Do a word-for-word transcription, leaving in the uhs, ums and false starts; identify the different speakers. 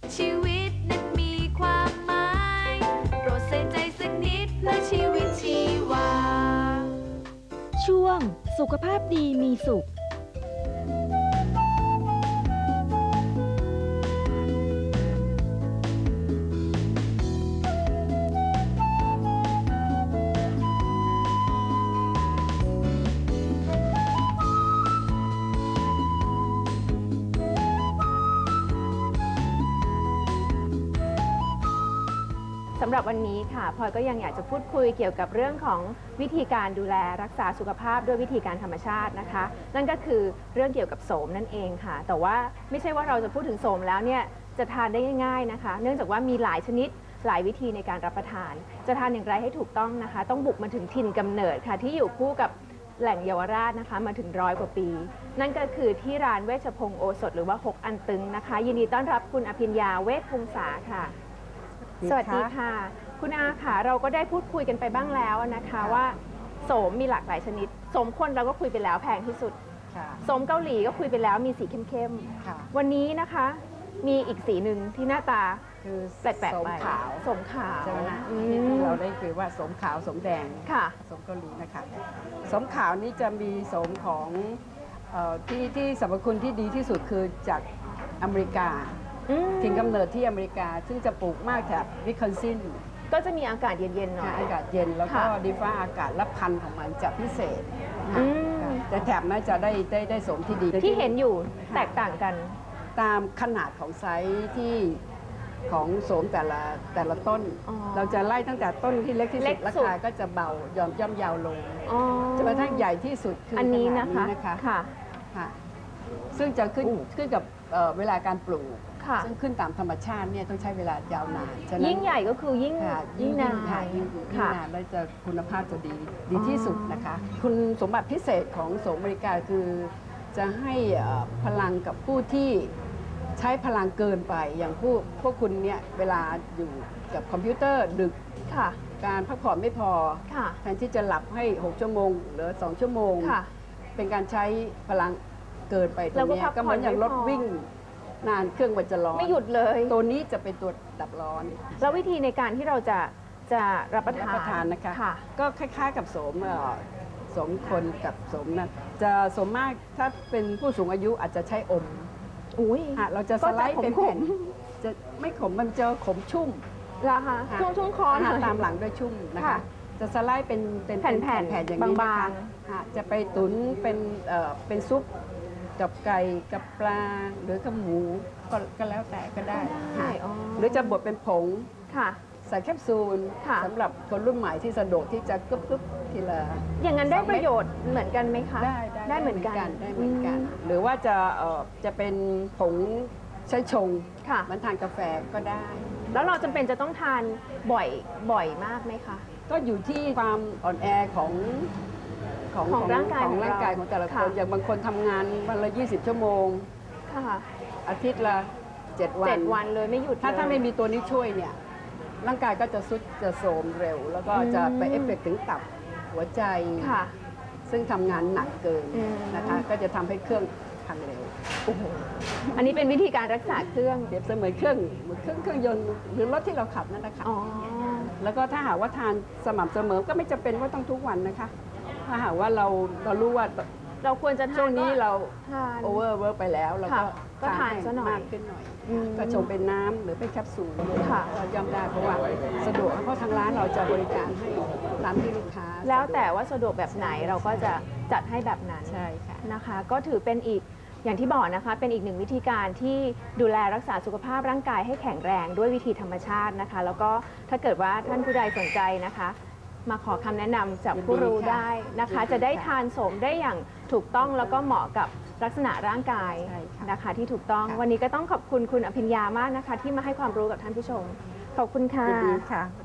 Speaker 1: ชีวิตนั้นมีความหมายโปรดใส่ใจสักนิดเพื่อชีวิตชีวา
Speaker 2: ช่วงสุขภาพดีมีสุข
Speaker 3: สำหรับวันนี้ค่ะพลอยก็ยังอยากจะพูดคุยเกี่ยวกับเรื่องของวิธีการดูแลรักษาสุขภาพด้วยวิธีการธรรมชาตินะคะนั่นก็คือเรื่องเกี่ยวกับโสมนั่นเองค่ะแต่ว่าไม่ใช่ว่าเราจะพูดถึงโสมแล้วเนี่ยจะทานได้ง่ายๆนะคะเนื่องจากว่ามีหลายชนิดหลายวิธีในการรับประทานจะทานอย่างไรให้ถูกต้องนะคะต้องบุกมาถึงถิ่นกำเนิดค่ะที่อยู่คู่กับแหล่งเยาวราชนะคะมาถึงร้อยกว่าปีนั่นก็คือที่ร้านเวชพงศ์โอสถหรือว่าหกอันตึงนะคะยินดีต้อนรับคุณอภิญญาเวชพงษาค่ะสวัสดีค่ะคุณอาค่ะเราก็ได้พูดคุยกันไปบ้างแล้วนะคะว่าโสมมีหลากหลายชนิดโสมคนเราก็คุยไปแล้วแพงที่สุดโสมเกาหลีก็คุยไปแล้วมีสีเข้มๆวันนี้นะคะมีอีกสีหนึ่งที่หน้าตา
Speaker 4: คือ
Speaker 3: แปลกๆไป
Speaker 4: โสมขาว
Speaker 3: โสมขาว
Speaker 4: ใช่ไหมคะที่เราได้คือว่าโสมขาวโสมแดง
Speaker 3: ค่ะ
Speaker 4: โสมเกาหลีนะคะโสมขาวนี้จะมีโสมของเอ่อที่ที่สรรพคุณที่ดีที่สุดคือจากอเมริกาถิ่นกำเนิดที่อเมริกาซึ่งจะปลูกมากแถบวิสคอนซิน
Speaker 3: ก็จะมีอากาศเย็นๆหน่อย
Speaker 4: อากาศเย็นแล้วก็ดีฟ้าอากาศและพันธุ์ของมันจะพิเศษแต่แถบนั้นจะได้ได้ได้โสมที่ดี
Speaker 3: ที่เห็นอยู่แตกต่างกัน
Speaker 4: ตามขนาดของไซส์ที่ของโสมแต่ละแต่ละต้นเราจะไล่ตั้งแต่ต้นที่เล็กที่สุดราคาก็จะเบาย่อมย่อมยาวลงจนกระทั่งใหญ่ที่สุดคืออันนี้นะคะค่ะค่ะซึ่งจะขึ้นขึ้นกับเวลาการปลูกซึ่งขึ้นตามธรรมชาติเนี่ยต้องใช้เวลายาวนาน
Speaker 3: ยิ่งใหญ่ก็คือยิ่งยิ่งนาน
Speaker 4: ยิ่งนานแล้วจะคุณภาพจะดีดีที่สุดนะคะคุณสมบัติพิเศษของโสมอเมริกาคือจะให้พลังกับผู้ที่ใช้พลังเกินไปอย่างผู้พวกคุณเนี่ยเวลาอยู่กับคอมพิวเตอร์ดึกการพักผ่อนไม่พอแทนที่จะหลับให้หกชั่วโมงหรือสองชั่วโมงเป็นการใช้พลังเกินไปตรงนี้ก็เหมือนอย่างรถวิ่งนานเครื่องมันจะร้อน
Speaker 3: ไม่หยุดเลย
Speaker 4: ตัวนี้จะเป็นตัวดับร้อน
Speaker 3: แล้ววิธีในการที่เราจะจะรับประทาน
Speaker 4: ทานนะคะก็คล้ายๆกับโสมโสมคนกับโสมนั้นจะโสมมากถ้าเป็นผู้สูงอายุอาจจะใช้อม
Speaker 3: อุ้ย
Speaker 4: เราจะสไลด์เป็นแผ่นจะไม่ขมมันจะขมชุ่ม
Speaker 3: ละค่ะชุ่มชุ่มคอ
Speaker 4: ตามหลังด้วยชุ่มนะคะจะสไลด์เป็นเป็น
Speaker 3: แผ่นแผ่น
Speaker 4: อย่างนี้บางๆจะไปตุ๋นเป็นเป็นซุปกับไก่กับปลาหรือกับหมูก็แล้วแต่ก็ได้หรือจะบดเป็นผงใส่แคปซูลสำหรับคนรุ่นใหม่ที่สะดวกที่จะกึ๊บกึ๊บทีละ
Speaker 3: อย่างนั้นได้ประโยชน์เหมือนกันไหมคะ
Speaker 4: ได้
Speaker 3: ได้เหมือนกัน
Speaker 4: ได้เหมือนกันหรือว่าจะจะเป็นผงใช้ชงมันทานกาแฟก็ได้
Speaker 3: แล้วเราจำเป็นจะต้องทานบ่อยบ่อยมากไหมคะ
Speaker 4: ก็อยู่ที่ความอ่อนแอของ
Speaker 3: ของของร่างกาย
Speaker 4: ของร่างกายของแต่ละคนอย่างบางคนทำงานวันละยี่สิบชั่วโมงอาทิตย์ละเจ็ดวัน
Speaker 3: เจ็ดวันเลยไม่หยุด
Speaker 4: ถ้าถ้าไม่มีตัวนี้ช่วยเนี่ยร่างกายก็จะสุดจะโทรมเร็วแล้วก็จะไปเอฟเฟกต์ถึงตับหัวใจซึ่งทำงานหนักเกินนะคะก็จะทำให้เครื่องพังเร็ว
Speaker 3: อันนี้เป็นวิธีการรักษาเครื่อง
Speaker 4: เปรียบเสมือนเครื่องเหมือนเครื่องเครื่องยนต์หรือรถที่เราขับนั่นนะคะแล้วก็ถ้าหากว่าทานสม่ำเสมอก็ไม่จำเป็นว่าต้องทุกวันนะคะถ้าหากว่าเราเรารู้ว่า
Speaker 3: เราควรจะ
Speaker 4: ช่วงนี้เราโอเวอร์เวิร์กไปแล้วเรา
Speaker 3: ก็ทานซะหน่อย
Speaker 4: มากขึ้นหน่อยก็ชงเป็นน้ำหรือเป็นแคปซูลเราย่อมได้เพราะว่าสะดวกเพราะทางร้านเราจะบริการให้ร้านที่ลูกค้า
Speaker 3: แล้วแต่ว่าสะดวกแบบไหนเราก็จะจัดให้แบบนั้น
Speaker 4: ใช่ค่ะ
Speaker 3: นะคะก็ถือเป็นอีกอย่างที่บอกนะคะเป็นอีกหนึ่งวิธีการที่ดูแลรักษาสุขภาพร่างกายให้แข็งแรงด้วยวิธีธรรมชาตินะคะแล้วก็ถ้าเกิดว่าท่านผู้ใดสนใจนะคะมาขอคำแนะนำจากผู้รู้ได้นะคะจะได้ทานโสมได้อย่างถูกต้องแล้วก็เหมาะกับลักษณะร่างกายนะคะที่ถูกต้องวันนี้ก็ต้องขอบคุณคุณอภิญญามากนะคะที่มาให้ความรู้กับท่านผู้ชมขอบคุณค่ะ